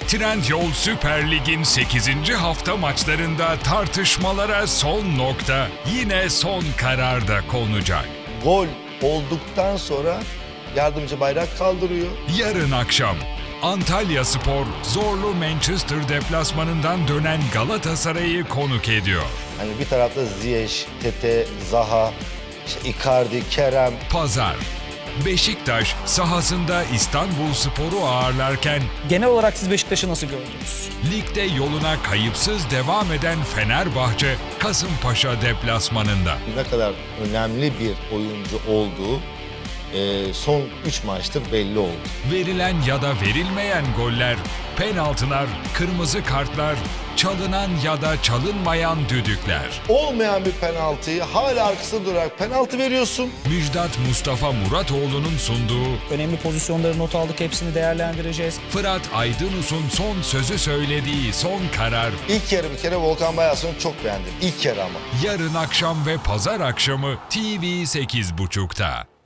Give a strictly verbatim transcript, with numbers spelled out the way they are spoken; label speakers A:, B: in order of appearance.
A: Trendyol Süper Lig'in sekizinci hafta maçlarında tartışmalara son nokta yine son kararda konacak.
B: Gol olduktan sonra yardımcı bayrak kaldırıyor.
A: Yarın akşam Antalyaspor zorlu Manchester deplasmanından dönen Galatasaray'ı konuk ediyor.
B: Hani bir tarafta Ziyech, Tete, Zaha, işte Icardi, Kerem.
A: Pazar Beşiktaş sahasında İstanbulspor'u ağırlarken
C: Genel olarak siz Beşiktaş'ı nasıl gördünüz?
A: ligde yoluna kayıpsız devam eden Fenerbahçe Kasımpaşa deplasmanında.
B: Ne kadar önemli bir oyuncu olduğu e, son üç maçtır belli oldu.
A: Verilen ya da verilmeyen goller, penaltılar, kırmızı kartlar, çalınan ya da çalınmayan düdükler.
B: Olmayan bir penaltıyı hala arkasında durarak penaltı veriyorsun.
A: Müjdat Mustafa Muratoğlu'nun sunduğu,
C: Önemli pozisyonları not aldık, hepsini değerlendireceğiz.
A: Fırat Aydınus'un son sözü söylediği son karar,
B: İlk yarı bir kere Volkan Bayarslan'ı çok beğendim. İlk yarı ama.
A: yarın akşam ve pazar akşamı T V sekiz buçukta.